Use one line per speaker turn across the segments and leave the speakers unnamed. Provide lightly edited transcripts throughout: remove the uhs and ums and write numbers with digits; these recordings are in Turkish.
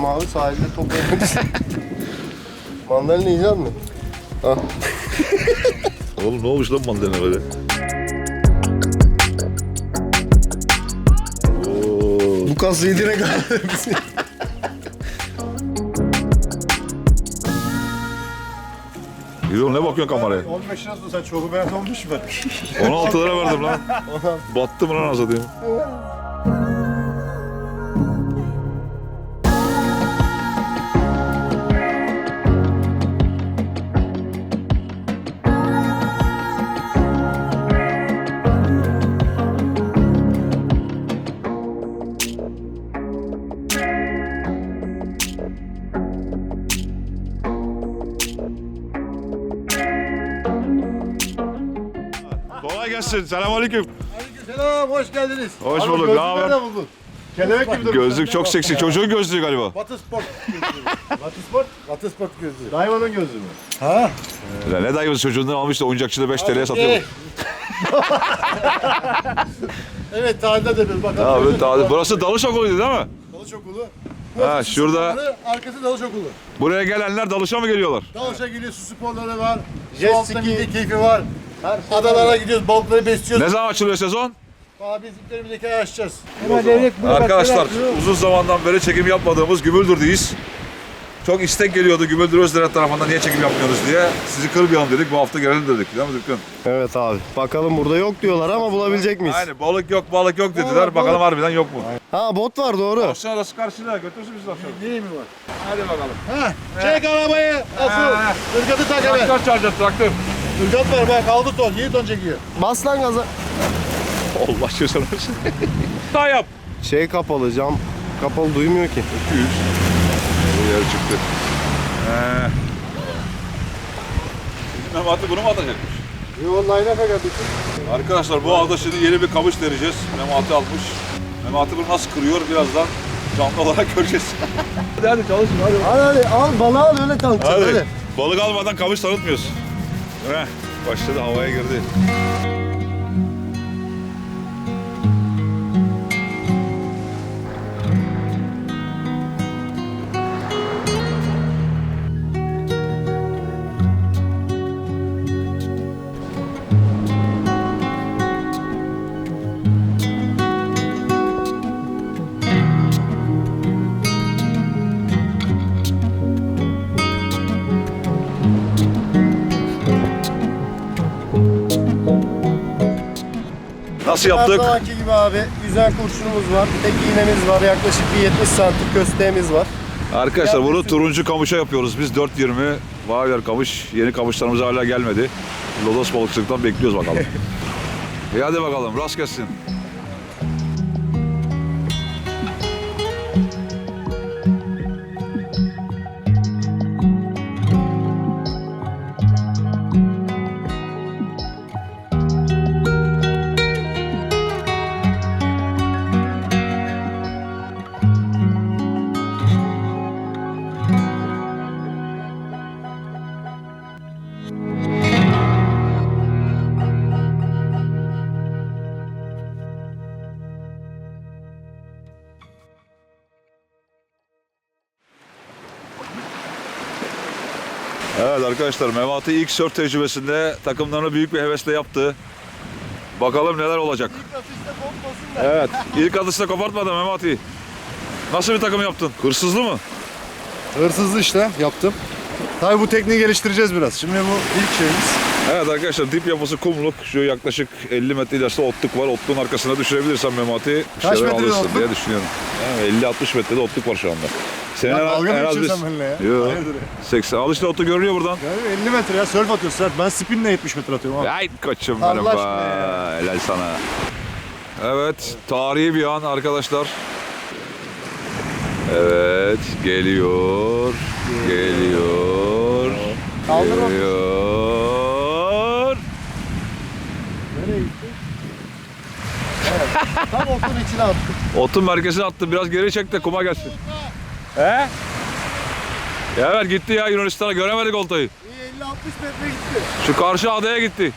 gidiyorum abi sahilde top oynamak için. Mandalina yiyecek mi? Ah.
Oğlum ne olmuş lan mandalina böyle?
Bu kas yediğine kadar bizi.
Yürü ne bakıyorsun kameraya?
15 lira sen çok beğen olmuş mu?
16 lira verdim lan. Battı mı lan azadayım? Kolay gelsin. Selamünaleyküm.
Selam, hoş geldiniz.
Hoş
Abi,
bulduk,
gözlüğü
ne haber?
nereden buldun? Kelebek gibi duruyor.
Gözlük çok seksi. Çocuğun gözlüğü galiba.
Batı Sport gözlüğü. Batı Sport? Batı Sport gözlüğü.
Dayvanın gözü mü?
Ha?
Ya ne dayımız çocuğundan almış da oyuncakçıda 5 TL'ye satıyor.
Evet, tarihte de bir bakalım.
Abi,
Gözlük.
burası dalış okuluydu değil mi?
Dalış okulu.
Ha, şurada
Arkası dalış okulu.
buraya gelenler dalışa mı geliyorlar?
Dalışa geliyor, su sporları var.
Jet
Su altında
ski.
milli keyfi var.
Her şey
Adalara gidiyoruz, balıkları besliyoruz.
Ne zaman açılıyor sezon?
Abi biz iplerimizdeki ayı açacağız.
Arkadaşlar uzun zamandan beri çekim yapmadığımız Gümüldür'deyiz. Çok istek geliyordu Gümüldür Özderet tarafından niye çekim yapmıyoruz diye. Sizi kırmayalım dedik, bu hafta gelelim dedik değil mi Dükkan?
Evet abi. Bakalım burada yok diyorlar ama bulabilecek miyiz?
Aynen balık yok dediler,
Balık,
bakalım harbiden yok mu?
Ha bot var doğru.
Aşağı arası karşıda götürsün bizi aşağı.
Neyi mi var?
Hadi bakalım.
Ha, çek arabayı. Asıl. Irgatı tak hemen.
Traktör çağıracağız traktör.
Irgat var bak, 6 ton, 7 ton çekiyor.
Bas lan gaza.
Allah aşkına. Daha yap.
Şey kapalı cam. Kapalı duymuyor ki.
200. Bu yer çıktı. Memati bunu mu atacakmış?
Yo, line-up'a geldik.
Arkadaşlar bu hafta şimdi yeni bir kamış deneyeceğiz. Memati almış. Memati bunu nasıl kırıyor birazdan canlı olarak göreceğiz. hadi çalışın hadi.
Hadi al balığı al öyle tanıtacağız hadi.
Balık almadan kamış tanıtmıyoruz. Heh, başladı havaya girdi. Nasıl
Her
yaptık?
zamanki gibi abi yüzen kurşunumuz var. Tek iğnemiz var. Yaklaşık bir 70 santim kösteğimiz var.
Arkadaşlar bunu turuncu kamışa yapıyoruz biz 4.20 Vavyer kamış. Yeni kamışlarımız hala gelmedi. Lodos balıkçılıktan bekliyoruz bakalım. İyi hadi bakalım rast gelsin. Evet arkadaşlar Memati ilk sörf tecrübesinde takımlarını büyük bir hevesle yaptı. Bakalım neler olacak. Evet ilk atışta kopartmadı Memati. Nasıl bir takım yaptın? Hırsızlı mı?
Hırsızlı işte yaptım. Tabii bu tekniği geliştireceğiz biraz. Şimdi bu ilk şeyimiz.
Evet arkadaşlar dip yapısı kumluk. Şu yaklaşık 50 metre ileride otluk var. Otluğun arkasına düşürebilirsen Memati bir
Kaç
şeyler
metrede
alırsın
otluk?
diye düşünüyorum. Yani 50-60 metrede otluk var şu anda. Senin
Ya dalga mı
en az
geçiyorsun benimle ya?
Yo,
Hayırdır ya?
80. Al işte otu görünüyor buradan.
Yani 50 metre ya, sörf atıyorsun sert. Ben spinle 70 metre atıyorum abi.
Ay koçum
Allah
benim be.
aşkına ya.
Helal sana. Evet, tarihi bir an arkadaşlar. Evet, geliyor. Geliyor.
Kaldırma.
Geliyor.
Nereye gitti? Evet. Tam otun içine attık.
Otun merkezine attım. Biraz geri çek de kuma gelsin. He? Ya ver gitti ya Yunanistan'a. Göremedik oltayı.
İyi 50-60 metre gitti.
Şu karşı adaya gitti.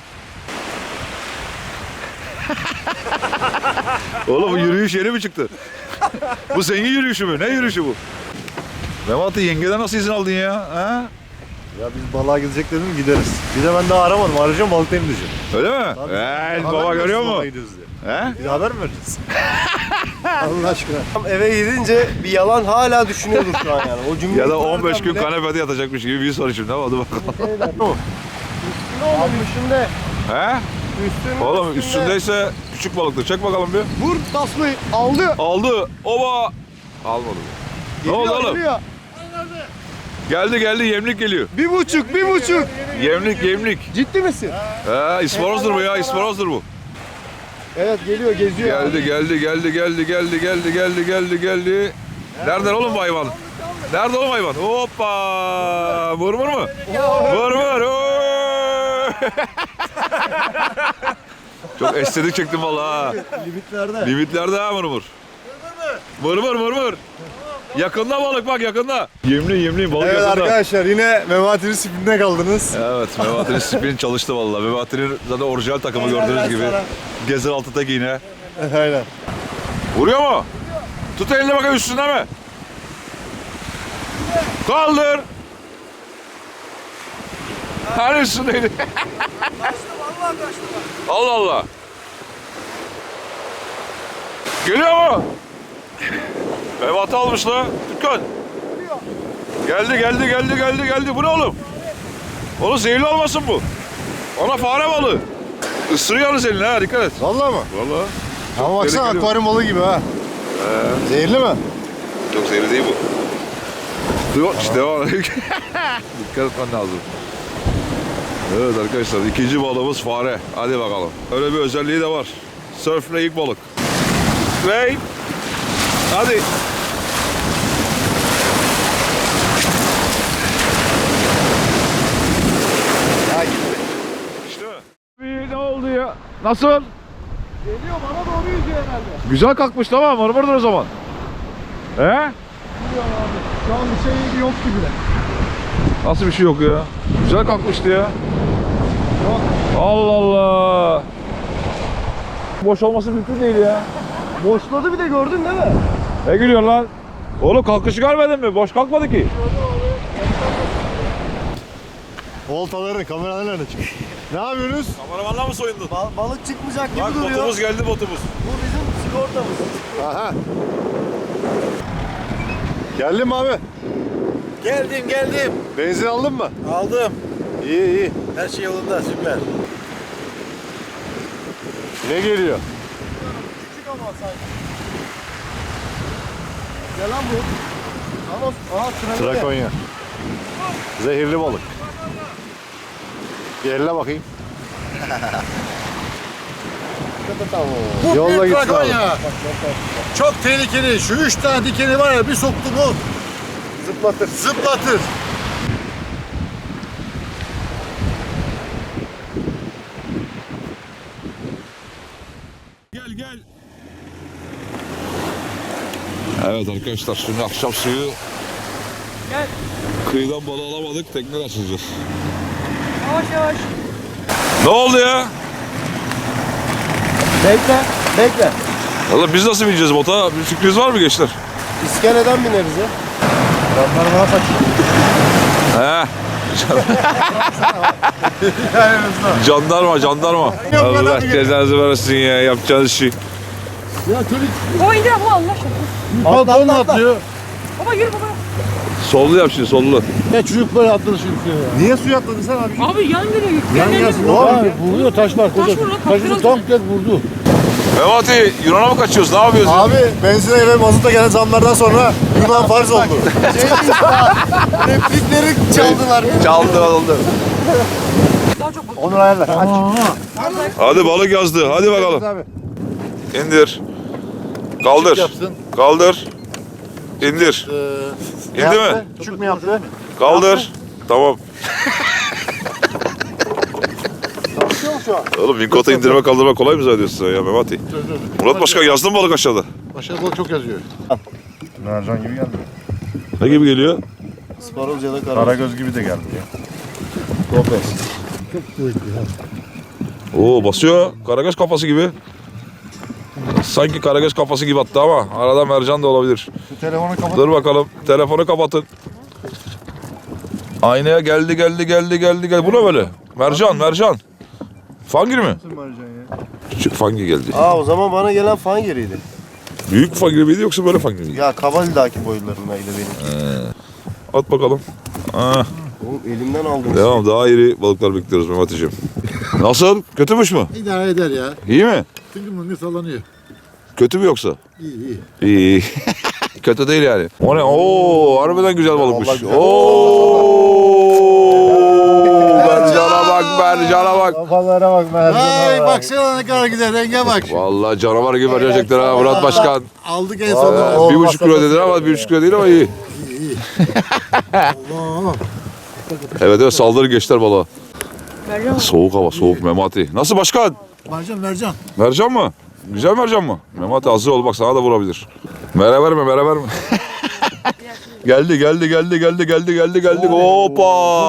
Oğlum bu yürüyüş yeni mi çıktı? Bu zengin yürüyüşü mü? Ne yürüyüşü bu? Memati yengeden nasıl izin aldın ya? Ha?
Ya biz balığa gidecek dedim gideriz. Bir de ben daha aramadım. Arayacağım balıktayım diyeceğim.
Öyle mi?
Tabii.
Evet
Haber
baba
mi
görüyor
versin
mu?
balığa gidiyoruz diye.
He?
Bir de haber mi vereceğiz? Allah aşkına.
Tam eve gidince bir yalan hala düşünüyordur şu an yani. O cümleyi
Ya da 15 gün
bile-
kanepede yatacakmış gibi bir soru şimdi. Hadi bakalım.
Ne oldu üstünde?
He?
Üstünde.
Oğlum üstündeyse küçük balıktır. Çek bakalım bir.
Vur tasmayı aldı.
Aldı. Oba. Almadı. Ne oldu oğlum?
Geliyor.
Geldi yemlik geliyor.
1,5.
Yemlik.
Ciddi misin?
He isparozdur bu ya isparozdur bu.
Evet geliyor geziyor.
Geldi. Nereden oğlum bu hayvan? Nerede oğlum hayvan? Hoppa! Vur mu? Vur! Oo! Çok estetik çektim vallahi. ha.
Limitlerde.
Limitlerde ha vur. Vur. Yakında balık bak yakında. Yemli balık
Evet
yakında.
arkadaşlar yine Memati'nin spinine kaldınız.
Evet Memati'nin spin çalıştı vallahi. Memati'nin zaten orijinal takımı gördüğünüz gibi. Gezer altı tek iğne.
Aynen.
Vuruyor mu? Tut elini bakayım üstünde mi? Kaldır. Hani üstündeydi? Allah. Geliyor mu? Memati almış la. Dükkan. Geldi. Bu ne oğlum? Oğlum zehirli olmasın bu. Ona fare balığı. Isırıyor yalnız elini ha dikkat et.
Vallahi mı?
Vallahi.
Ama baksana
tehlikeli.
akvaryum balığı gibi ha. Zehirli mi?
Çok zehirli değil bu. Yok işte devam. Dikkat etmen lazım. Evet arkadaşlar ikinci balığımız fare. Hadi bakalım. Öyle bir özelliği de var. Sörfle ilk balık. Ve hadi.
Ya gitti.
İşte mi? Ne oldu ya? Nasıl?
Geliyor bana doğru yüzüyor herhalde.
Güzel kalkmış tamam mırmırdır o zaman. He?
Gidiyor abi. Şu an bir şey yok gibi de.
Nasıl bir şey yok ya? Güzel kalkmıştı ya.
Yok.
Allah Allah. Boş olması mümkün değil ya.
Boşladı bir de gördün değil mi?
Ne gülüyorsun lan? Oğlum kalkışı görmedin mi? Boş kalkmadı ki.
Oltaları, kameralar nerede çıkıyor? Ne yapıyorsunuz?
Kameramanla mı soyundun?
Balık çıkmayacak gibi
Bak
duruyor.
botumuz geldi botumuz.
Bu bizim sigortamız.
Aha. Geldin mi abi?
Geldim.
Benzin aldın mı?
Aldım.
İyi.
Her şey yolunda, süper.
Ne geliyor?
Küçük ama sanki. Gel lan bu. Ama aha
Trakonya. Zehirli balık. Bir elle bakayım.
Bu
Yolla
bir
gitsin abi.
Trakonya. Çok tehlikeli. Şu 3 tane dikeni var ya bir soktu mu zıplatır.
Gel. Evet arkadaşlar şimdi akşam suyu kıyıdan balığı alamadık tekrar açacağız.
Yavaş.
Ne oldu ya?
Bekle.
Oğlum biz nasıl bineceğiz bota? Bir sürpriz var mı gençler?
İskeleden bineriz ya.
Adamlar bana kaçıyor.
He. Jandarma. Allah cezanızı versin ya yapacağınız şey.
Baba indir baba Allah aşkına.
Pantolon atlıyor.
Baba yürü baba.
Sollu yap şimdi sollu.
Ne çocuk böyle atladı şimdi ya.
Niye suya atladın sen abi?
Abi yan geliyor.
Yan gelsin. Abi vuruyor taşlar.
Taş vurdu,
Taşını
kaptırıldı.
tam tek vurdu.
Memati Yunan'a mı kaçıyoruz? Ne yapıyoruz? ya?
Abi benzine ve mazota gelen zamlardan sonra Yunan farz oldu.
Replikleri çaldılar.
Çaldı oldu.
Daha çok bak.
Onur ayarla. Aç.
Hadi balık yazdı. Hadi bakalım.
Abi.
İndir. Kaldır.
Yapsın.
Kaldır. İndir. İndi mi?
Küçük mü yaptı?
Kaldır. Tamam.
Çalışıyor mu şu an?
Oğlum Vinkota indirme kaldırma kolay mı zannediyorsun sen ya Memati? Murat Başkan yazdın mı balık aşağıda?
Başka balık çok yazıyor.
Mercan gibi geldi.
Ne gibi geliyor?
Sparoz ya da
Karagöz gibi de geldi ya.
Oo basıyor. Karagöz kafası gibi. Sanki karagöz kafası gibi attı ama arada mercan da olabilir.
Şu telefonu kapat.
Dur bakalım. Telefonu kapatın. Aynaya geldi. Bu ne böyle? Mercan. Fangir mi? Küçük fangir geldi.
Aa, o zaman bana gelen fangiriydi.
Büyük fangir miydi yoksa böyle fangir miydi?
Ya Kavalidaki boylarındaydı benim.
At bakalım. Ah,
Oğlum elimden aldım.
devam. Daha iri balıklar bekliyoruz Mehmet'ciğim. Nasıl? Kötümüş mü?
İdare eder ya.
İyi mi?
Tıngır sallanıyor.
Kötü mü yoksa?
İyi.
İyi. Kötü değil yani. O ne? Oo, harbiden güzel balıkmış.
Vallahi güzel.
Mercana bak.
Kafalara bak
Ay baksana ne kadar güzel renge bak.
Vallahi canavar gibi verecekler ha Murat Başkan.
Aldık en sonunda.
1,5 kilo dediler ama 1,5 kilo değil ama iyi.
Allah.
Evet saldırı geçtiler balığa.
Mercan.
Soğuk hava, soğuk Memati. Nasıl başkan?
Mercan.
Mercan mı? Güzel mercan mı? Memati hazır ol bak sana da vurabilir. Mere verme. Geldi. Hoppa!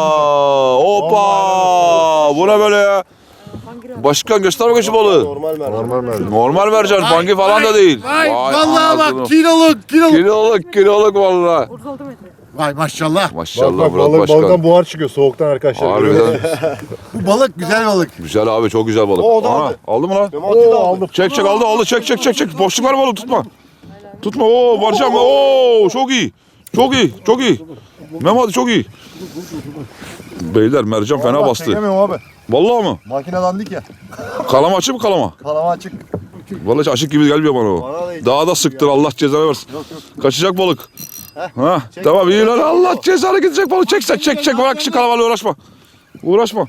Bu ne böyle ya? Başkan göster bakayım şu balığı.
Normal mercan.
Normal mercan, fangi falan da değil.
Vay vallahi
anasını.
bak kiloluk.
Kiloluk vallahi.
36 metre.
Vay maşallah.
Maşallah Murat Başkan.
Balıktan buhar çıkıyor soğuktan arkadaşlar.
Harbiden
Bu balık güzel balık.
güzel abi, çok güzel balık.
O da
Ana,
aldı.
aldı mı lan?
Memati de aldı.
Çek aldı. Çek. Boşluk var balık tutma. Tutma. Barcan. Çok iyi. Memati çok iyi. Beyler mercan fena bastı.
Çekemiyorum abi.
Vallahi mı?
Makine dandik ya.
Kalama açık mı kalama?
Kalama açık.
Vallahi açık gibi gelmiyor bana o.
Bana da hiç
Daha da sıktır Allah cezanı versin. Kaçacak balık. Ha, tamam iyi lan Allah cezanı gidecek balık. Çek. Bırak şu kalamayla uğraşma.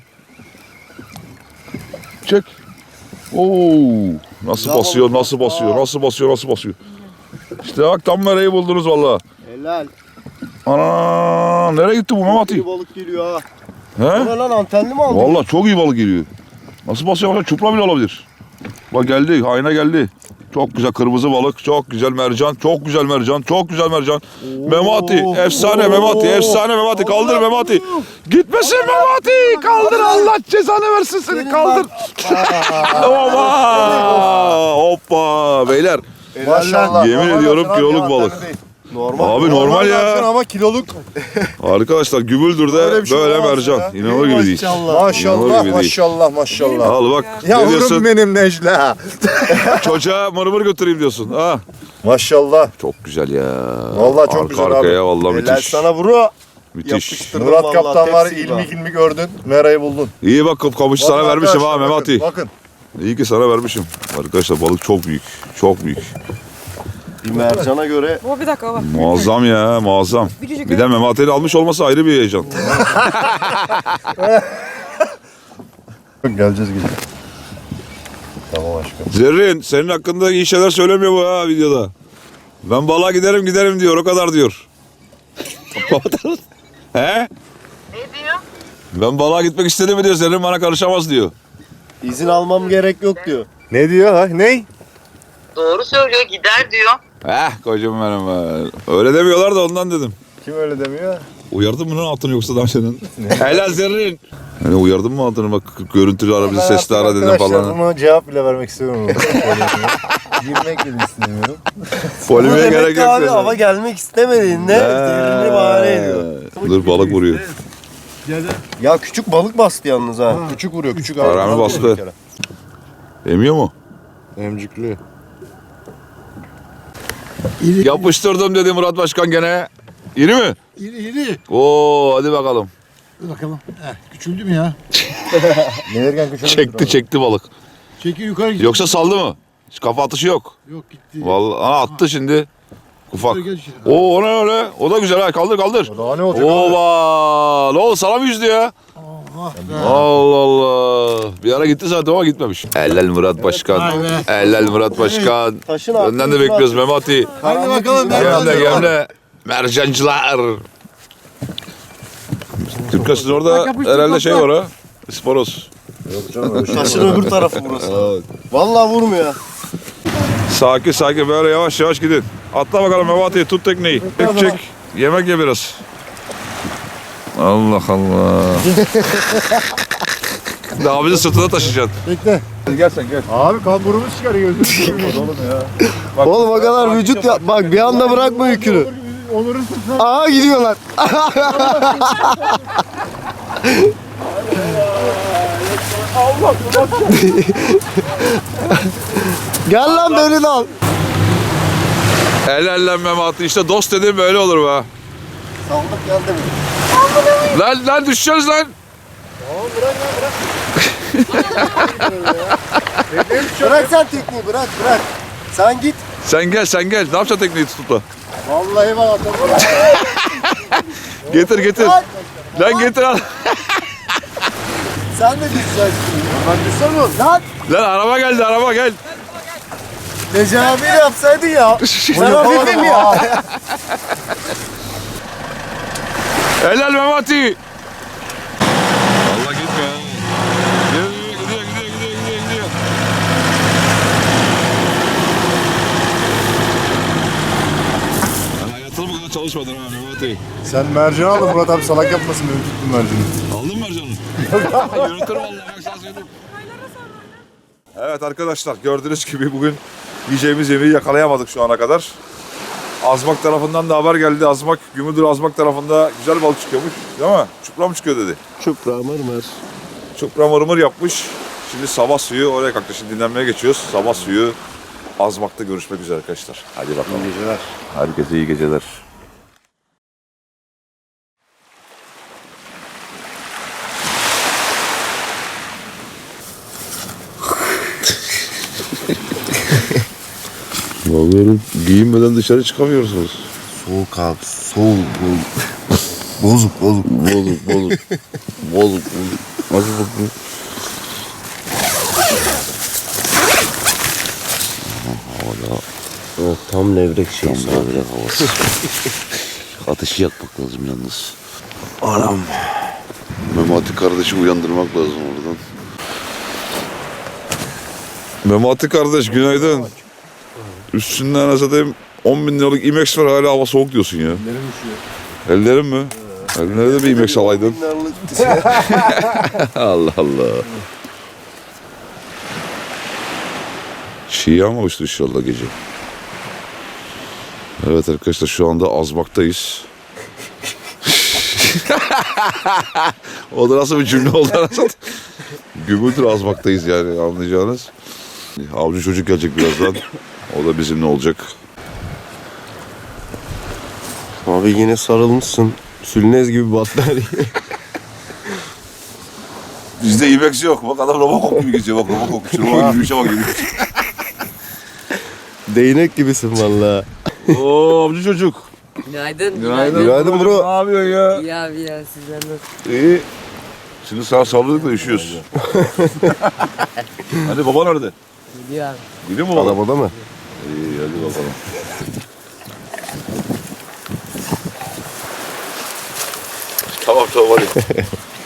Çek. Nasıl basıyor. İşte bak tam mereyi buldunuz vallahi.
Helal.
Ana nereye gitti bu Memati?
Bir balık geliyor ha.
He?
Bu ne lan, antenli mi aldın?
Vallahi çok iyi balık geliyor. Nasıl basıyor bak, çupra bile olabilir. Bak geldi, ayna geldi. Çok güzel kırmızı balık, çok güzel mercan. Memati, efsane Memati. Kaldır Memati. Gitmesin Memati. Kaldır Allah cezanı versin seni. Kaldır. Hoppa. Beyler.
Maşallah.
Yemin
Normal
ediyorum
mercan abi,
kiloluk
ya,
balık.
antenli değil.
Normal.
Abi normal
mercan
ya.
ama kiloluk.
Arkadaşlar Gübüldür'de
Öyle bir şey
böyle
olamaz
mercan.
ya.
İnanılır gibi değil.
Maşallah.
İnanılır gibi değil.
Maşallah.
Al bak. Ne
Yavrum
diyorsun?
benim Necla.
Çocuğa mırmır götüreyim diyorsun. Ha.
Maşallah.
Çok güzel ya.
Vallahi çok güzel abi.
Arkaya vallahi
Helal
müthiş.
sana Vuru.
Müthiş.
Yapıştırdım
Murat
vallahi,
Kaptan var
tepsi gibi.
ilmi gördün. Merayı buldun.
İyi bak kamışı sana
Vallahi
vermişim ha
arkadaşlar,
Memati.
Bakın.
İyi ki sana vermişim. Arkadaşlar balık çok büyük. Çok büyük.
Bir mercana göre
O bir dakika bak.
Muazzam ya muazzam.
Biricik
Bir de Memati'nin almış olması ayrı bir heyecan.
Geleceğiz gece. Tamam aşkım.
Zerrin senin hakkında iyi şeyler söylemiyor bu ha videoda. Ben balığa giderim diyor, o kadar diyor. He?
Ne diyor?
Ben balığa gitmek istedim mi diyor, Zerrin bana karışamaz diyor.
izin almam gerek yok diyor.
Ne diyor ha? Ney?
Doğru söylüyor, gider diyor.
Kocam benim be. Öyle demiyorlar da ondan dedim.
Kim öyle demiyor?
Uyardın mı lan altını yoksa daha senin? Helal Zerrin. Hani uyardın mı altını, bak görüntülü ara bizi, sesli ara dedim
Arkadaşlar
falan.
buna cevap bile vermek istemiyorum. Girmek bile istemiyorum.
Polemiğe
Demek
gerek
ki
yok.
abi
dedi.
hava gelmek istemediğinde zerrini bahane ediyor.
Dur balık vuruyor.
Ya küçük balık bastı yalnız ha.
Küçük vuruyor küçük
Parami
abi.
bastı. Emiyor mu?
Emcikli.
Yapıştırdım dedi Murat Başkan gene. İri mi?
İri.
Oo hadi bakalım.
Dur bakalım. Küçüldü mü ya?
Gelirken küçük.
Çekti balık.
Çeki yukarı gitti.
Yoksa saldı mı? Hiç kafa atışı yok.
Yok gitti.
Vallahi attı şimdi. Ufak.
Gel içeri.
Oo o ne öyle? O da güzel ha, kaldır.
Daha ne olacak?
Ova! Ne oldu, sana mı yüzdü ya? Allah Allah. Bir ara gitti zaten ama gitmemiş. Ellel Murat Başkan.
Vay be.
Ellel Murat Başkan.
Taşın
Önden de bekliyoruz Memati.
Hadi bakalım.
Gemle. Mercancılar. Türkan sizin orada herhalde şey var ha. Sporos.
Taşın öbür tarafı burası. Vallahi vurmuyor.
Sakin böyle yavaş gidin. Atla bakalım Memati, tut tekneyi. Çek. Yemek ye biraz. Allah Allah. Daha bizi sırtına taşıyacaksın.
Bekle.
Gel sen gel.
Abi kamburumuz çıkarıyor gözünü.
Oğlum ya. Bak,
Oğlum o kadar vücut yap. Bak bir anda bırakma yükünü.
Onur'un sırtına.
Aa gidiyorlar. Gel lan beni de al.
El ellenmem attı. İşte dost dediğim böyle olur be.
Saldık geldi mi?
Lan düşeceğiz lan.
Bırak sen tekniği bırak. Sen git.
Sen gel. Ne yapacaksın tekneyi tutup da?
Vallahi bak atarım.
Getir. Lan getir al.
Sen de düşeceksin. Ben düşsem mi? Lan
Lan araba geldi gel.
Necati abiyle yapsaydın ya. Sen hafifim ya.
Helal Memati. Allah gitmiyor. Gidiyor. Ben hayatımda bu kadar çalışmadım ha Memati.
Sen mercan aldın Murat abi salak yapmasın benim tuttum mercanı.
Aldın mı mercanı? Yürütürüm vallahi bak sana söyleyeyim. Evet arkadaşlar gördüğünüz gibi bugün yiyeceğimiz yemeği yakalayamadık şu ana kadar. Azmak tarafından da haber geldi. Gümüldür Azmak tarafında güzel balık çıkıyormuş. Değil mi? Çupra mı çıkıyor dedi.
Çupra mırmır.
Çupra mırmır yapmış. Şimdi sabah suyu oraya kalktı. Şimdi dinlenmeye geçiyoruz. Sabah suyu Azmak'ta görüşmek üzere arkadaşlar. Hadi bakalım.
İyi geceler.
Herkese iyi geceler. Vallahi giyinmeden dışarı çıkamıyorsunuz.
Soğuk abi soğuk. Bozuk.
Bozuk. Nasıl bakayım?
Evet, tam levrek şey.
Tam levrek havası. Ateşi yakmak lazım yalnız.
Anam.
Memati kardeşi uyandırmak lazım oradan.
Memati kardeş günaydın. Üstünden satayım 10.000 liralık IMAX var hala hava soğuk diyorsun ya.
Ellerim üşüyor.
Ellerin mi? Ellerine de bir IMAX alaydın. Allah Allah. Çiğ yağmamıştır inşallah gece. Evet arkadaşlar şu anda Azmak'tayız. O da nasıl bir cümle oldu anasını? Gümüldür Azmak'tayız yani anlayacağınız. Avcı çocuk gelecek birazdan. O da bizimle olacak.
Abi yine sarılmışsın. Sülnez gibi battaniye.
Bizde IMAX yok. Bak adam Robocop gibi geziyor. Bak Robocop. Şu Robocop gibi bir şey bak.
Değnek gibisin valla.
Oo avcı çocuk.
Günaydın.
Günaydın bro.
Ne yapıyorsun ya?
İyi abi ya sizler nasıl?
İyi. Şimdi sağ salladık da üşüyoruz. Hadi baba nerede?
Gidiyor abi.
Gidiyor mu baba?
Arabada mı?
İyi hadi bakalım. Tamam hadi.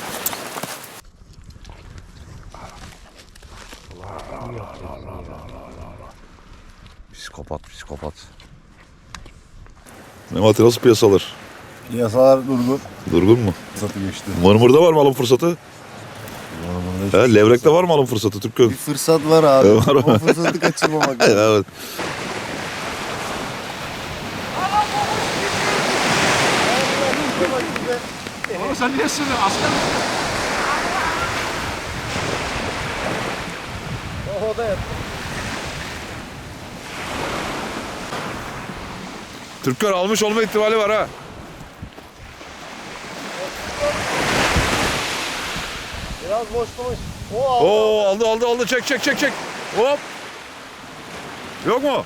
Psikopat. Memati nasıl piyasalar?
Yasalar durgun.
Durgun mu?
Satı geçti.
Mırmır'da var mı alım fırsatı? Levrek'te var mı alım fırsatı Türk'ün?
Bir fırsat var abi.
Var mı?
O fırsatı kaçırmamak lazım.
Evet.
Sen niye sürüyorsun? Asker misin?
Türkler almış olma ihtimali var ha.
Biraz boşlamış. O aldı.
Oo aldı çek. Hop. Yok mu?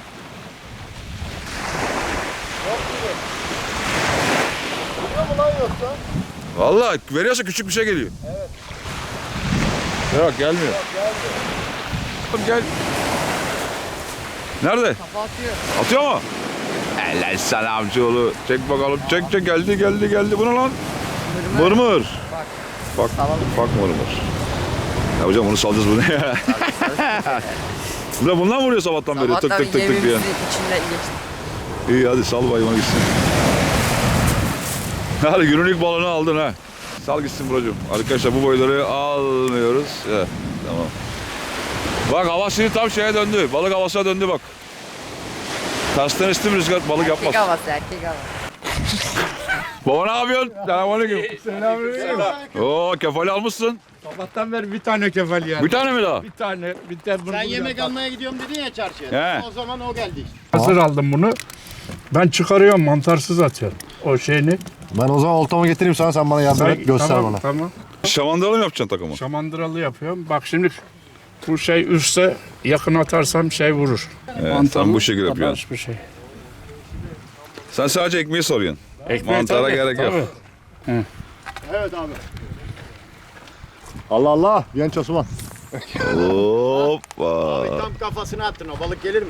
Biliyor mu lan yoksa?
Vallahi veriyorsa küçük bir şey geliyor. Evet. Yok gelmiyor. Gel. Nerede?
Kafa atıyor.
Atıyor mu? Helal sana amcaoğlu. Çek bakalım. Çek geldi. Bu ne lan? Mırmır. Bak mırmır. Ya hocam onu salacağız bunu ya. Bundan vuruyor sabahtan beri tık tık diye.
içinden geçti.
İyi hadi sal bayıma gitsin. Hadi günün ilk balığını aldın ha. Sal gitsin brocum. Arkadaşlar bu boyları almıyoruz. Evet, tamam. Bak hava şimdi tam şeye döndü. Balık havasına döndü bak. Tersten istim rüzgar balık yapmaz.
Erkek havası, erkek havası.
Baba ne yapıyorsun? Selamünaleyküm. Oo kefali almışsın.
Sabahtan beri bir tane kefal yani.
Bir tane mi daha?
Bir tane. Bir tane
Sen yemek almaya gidiyorum dedin ya çarşıya.
He.
O zaman o geldi işte.
Hazır aldım bunu. Ben çıkarıyorum, mantarsız atıyorum. O şeyini.
Ben o zaman oltamı getireyim sana, sen bana yardım et, göster
tamam,
bana.
Tamam.
Şamandıralı mı yapacaksın takımı?
Şamandıralı yapıyorum. Bak şimdi bu şey üstte yakın atarsam şey vurur.
Evet, sen bu şekilde yapıyorsun.
Bir şey.
Sen sadece ekmeği soruyorsun.
Ekmeği
Mantara
tabii,
gerek yok.
tabii.
Evet abi.
Allah Allah, genç Osman.
Hoppa.
Tam kafasına attın, o balık gelir mi?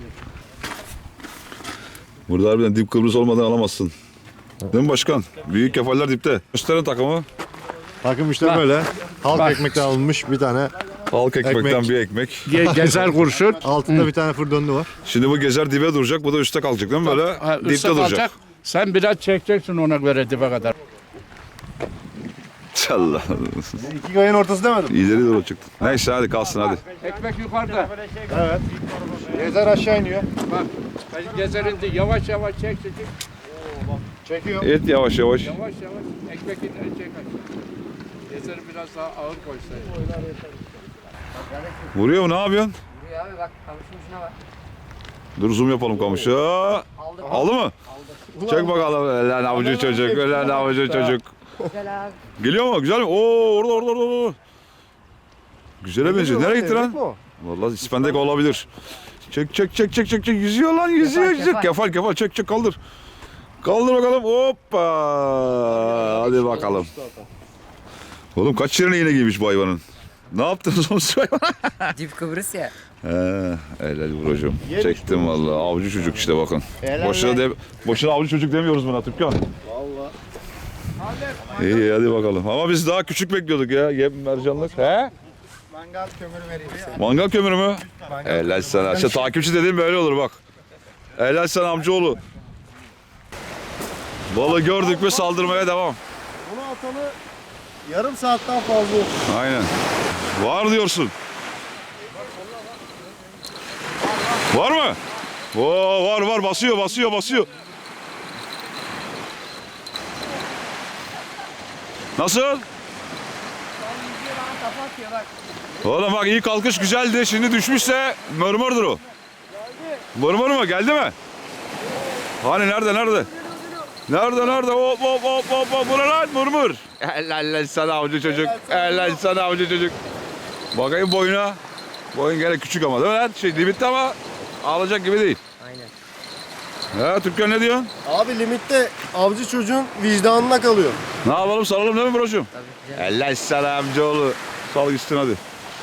Burada harbiden dip Kıbrıs olmadan alamazsın. Değil mi başkan? Büyük kefaller dipte. Gösterin takımı.
Takım işte böyle. Halk ekmekten alınmış bir tane.
Halk ekmekten
Ekmek.
bir ekmek.
Gezer kurşun.
Altında bir tane fır döndü var.
Şimdi bu gezer dibe duracak, bu da üstte kalacak değil mi böyle?
Ha,
Dipte
üstte
duracak.
kalacak. Sen biraz çekeceksin ona göre dibe kadar.
Allah.
İki kayın ortası demedim.
İleri doğru çıktı. Neyse hadi kalsın hadi.
Ekmek yukarıda.
Evet. Gezer aşağı iniyor.
Bak. Gezerinde yavaş yavaş çek.
Çekiyor.
Et yavaş yavaş.
Yavaş yavaş ekmek inleri çek aşağı. Gezeri biraz daha ağır koysaydın.
Vuruyor mu, ne yapıyorsun?
Buraya abi bak kamışın ucuna bak.
Dur zoom yapalım kamışı. Aldı mı? Çek bakalım. Lan avucu çocuk, lan avucu çocuk.
Güzel abi.
Geliyor mu? Güzel mi? Oo orada. Güzele benziyor. Nereye gitti lan?
Bu.
Vallahi ispendek olabilir. Çek. Yüzüyor lan, yüzüyor. Kefal. Çek kaldır. Kaldır bakalım. Hoppa. Hadi bakalım. Oğlum kaç yerine iğne giymiş bu hayvanın? Ne yaptınız oğlum şu hayvana?
Dip Kıbrıs ya.
Helal vuracağım. Çektim vallahi. Avcı çocuk işte bakın. Boşuna avcı çocuk demiyoruz buna Türkan. Vallahi. İyi hadi bakalım. Ama biz daha küçük bekliyorduk ya. Yem mercanlık. He?
Mangal kömürü vereyim ya.
Mangal kömürü mü? Helal sana. İşte takipçi dediğim böyle olur bak. Helal sana amcaoğlu. Balığı gördük mü saldırmaya devam.
Bunu atalı yarım saatten fazla oldu.
Aynen. Var diyorsun. Var mı? Oo, var basıyor. Nasıl? Oğlum bak iyi kalkış güzeldi. Şimdi düşmüşse mırmırdır o. Mırmır mı? Geldi mi? Hani nerede? Nerede? Hop. Bu ne lan? Mırmır. Helal sana avcı çocuk. Bakayım boyuna. Boyun gene küçük ama değil mi lan? Limitte ama alacak gibi değil.
Aynen.
He Türkan ne diyorsun?
Abi limitte avcı çocuğun vicdanına kalıyor.
Ne yapalım salalım değil mi broşum?
Tabii ki.
Helal sana amcaoğlu. Sal gitsin hadi.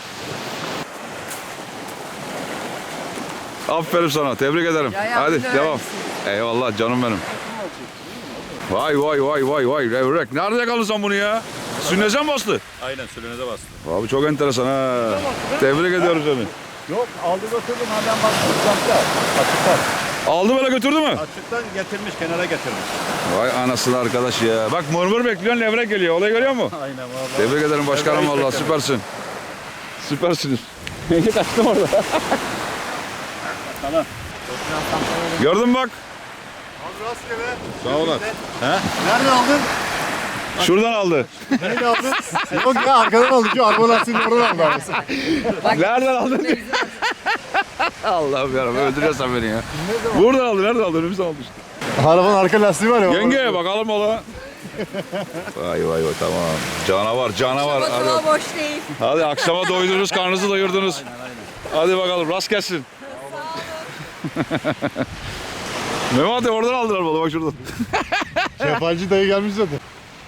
Aferin sana. Tebrik ederim.
Ya,
hadi
yardımcı
devam.
öğrencisin.
Eyvallah canım benim. Vay. Levrek. Nerede kaldın sen bunu ya? Sünneze mi bastı?
Aynen sülünüze bastı.
Abi çok enteresan ha. Tebrik ediyorum seni.
Yok aldı götürdüm ha ben baktım uzakta. Açıktan.
Aldı böyle götürdü mü?
Açıktan getirmiş kenara getirmiş.
Vay anasını arkadaş ya. Bak mırmır bekliyorsun levrek geliyor. Olayı görüyor musun?
Aynen vallahi.
Tebrik ederim başkanım
Levreği
vallahi
çektim.
süpersin. Süpersiniz. Kaçtım orada.
Tamam.
Gördün mü bak?
Sağ olun.
Nereden aldın?
Şuradan aldı.
Nerede aldın? Yok ya, arkadan aldı. Şu araba lastiğini oradan aldı.
Nereden aldın? Allah'ım yarabbim öldürüyorsan beni ya. Buradan aldı. Nereden aldı? Önümüzden aldı işte.
Arabanın arka lastiği var ya.
Yenge bakalım ola. Vay tamam. Canavar. Hadi.
boş değil.
Hadi akşama doydunuz, karnınızı doyurdunuz. Hadi bakalım rast gelsin. Mehmet abi oradan aldılar balı bak şuradan.
Kefalci dayı gelmiş zaten.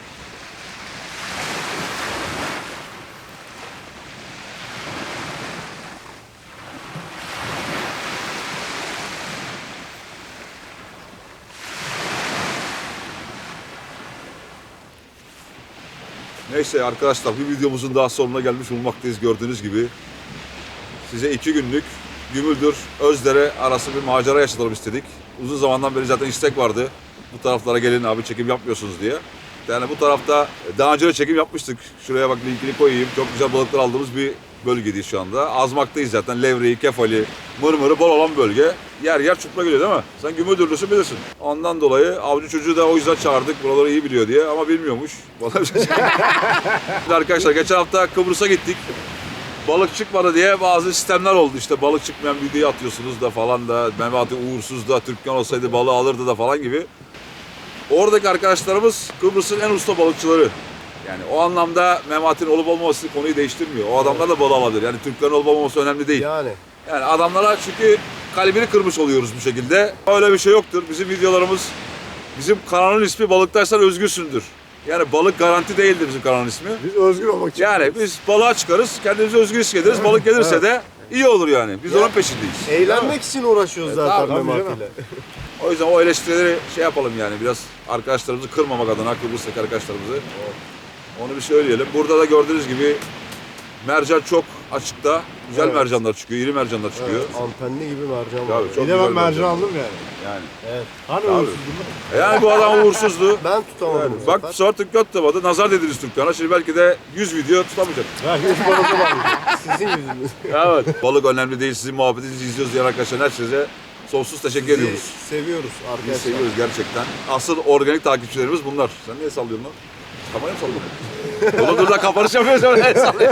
Neyse arkadaşlar bir videomuzun daha sonuna gelmiş bulunmaktayız gördüğünüz gibi. Size 2 günlük Gümüldür, Özdere arası bir macera yaşatalım istedik. Uzun zamandan beri zaten istek vardı. Bu taraflara gelin abi çekim yapmıyorsunuz diye. gerçekten. Yani bu tarafta daha önce de çekim yapmıştık. Şuraya bak linkini koyayım. Çok güzel balıklar aldığımız bir bölgedeyiz şu anda. Azmak'tayız zaten. Levreği, kefali, mırmırı bol olan bölge. Yer yer çupra geliyor değil mi? Sen Gümüldürlüsün bilirsin. Ondan dolayı avcı çocuğu da o yüzden çağırdık. Buraları iyi biliyor diye ama bilmiyormuş. Arkadaşlar geçen hafta Kıbrıs'a gittik. Balık çıkmadı diye bazı sistemler oldu. İşte balık çıkmayan videoyu atıyorsunuz da falan da. Memati uğursuz da Türkmen olsaydı balığı alırdı da falan gibi. Oradaki arkadaşlarımız Kıbrıs'ın en usta balıkçıları. Yani o anlamda Memati'nin olup olmaması konuyu değiştirmiyor. O adamlar da balığı alabilir. Yani Türklerin olup olmaması önemli değil.
Yani.
Yani adamlara çünkü kalbini kırmış oluyoruz bu şekilde. Öyle bir şey yoktur. Bizim videolarımız, bizim kanalın ismi Balıktaysan Özgürsündür. Yani balık garanti değildir bizim kanalın ismi.
Biz özgür olmak için.
Yani biz balığa çıkarız, kendimizi özgür hissederiz. Balık gelirse de iyi olur yani. Biz onun peşindeyiz.
Eğlenmek için uğraşıyoruz zaten
tabii
Memati'yle.
O yüzden o eleştirileri şey yapalım yani biraz arkadaşlarımızı kırmamak adına, Kıbrıs'taki arkadaşlarımızı. Onu bir söyleyelim. Burada da gördüğünüz gibi mercan çok açıkta. Güzel
Evet.
mercanlar çıkıyor, iri mercanlar çıkıyor.
Evet, antenli gibi mercan var.
Tabii, çok
Bir de ben
güzel
mercan aldım yani.
Yani.
Hani
Tabii.
uğursuz bunlar?
Yani bu adam uğursuzdu.
Ben tutamadım bu
Bak
sefer.
bu sefer Türk tutamadı. Nazar dediniz Türkkan'a. Şimdi belki de 100 video tutamayacak.
Belki de şu balığı var.
Sizin yüzünüz.
Evet. Balık önemli değil. Sizin muhabbetinizi izliyoruz diyen arkadaşlar herkese sonsuz teşekkür ediyoruz.
Seviyoruz
Biz
arkadaşlar.
seviyoruz gerçekten. Asıl organik takipçilerimiz bunlar. Sen niye sallıyorsun lan? Kamerayı mı sallıyorsun? Oğlum dur da kapanış yapıyoruz öyle el sallıyor.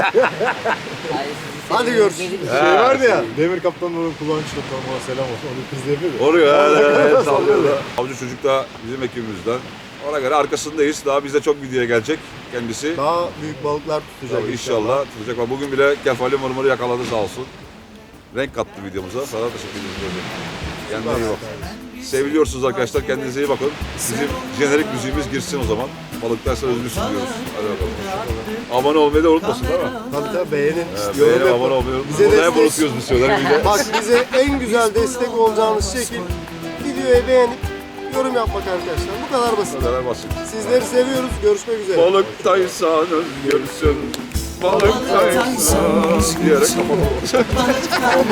Hadi görüşürüz.
Şey vardı ya, Demir Kaptan'ın kulağını çıkartan bana selam olsun. Onu kız da yapıyor ya.
Oluyor evet sallıyor da. Avcı çocuk da bizim ekibimizden. Ona göre arkasındayız. Daha bizde çok videoya gelecek kendisi.
Daha büyük balıklar tutacak
Tabii inşallah tutacak. Bak bugün bile kefali mırmırı yakaladı sağ olsun. Renk kattı videomuza. Sana teşekkür ediyoruz. Kendine iyi bak. Seviliyorsunuz arkadaşlar. Kendinize iyi bakın. Bizim jenerik müziğimiz girsin o zaman. Balıklarsa özgürsün diyoruz. Hadi bakalım. Abone olmayı da unutmasın değil mi?
Tabii beğenin.
Beğenip
yorum
abone
yapın.
olmayı
Bize
unutmayın. Burada hep
destek-
unutuyoruz biz söyler.
Bak bize en güzel destek olacağınız şekil videoyu beğenip yorum yapmak arkadaşlar. Bu kadar basit.
Bu kadar basit.
Sizleri seviyoruz. Görüşmek üzere.
Balıktaysan özgürsün. Balıktaysan diyerek kapatalım.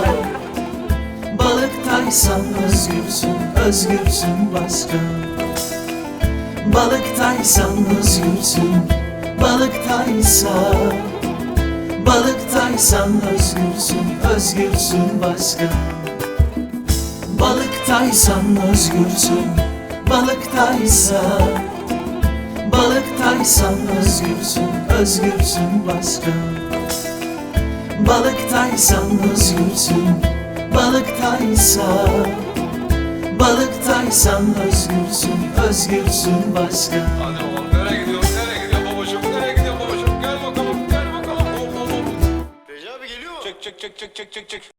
Balıktaysan özgürsün, özgürsün başka. Balıktaysan özgürsün, balıktaysan. Balıktaysan özgürsün, özgürsün başka. Balıktaysan özgürsün, balıktaysan. Balıktaysan özgürsün, özgürsün başka. Balıktaysan özgürsün, balıktaysan. Balıktaysan özgürsün, özgürsün başka.
Hadi oğlum nereye gidiyorsun? Nereye gidiyorsun babacığım? Nereye gidiyorsun babacığım? Gel bakalım, gel bakalım. Hop hop hop.
Recep abi geliyor mu?
Çık çık çık çık çık çık çık.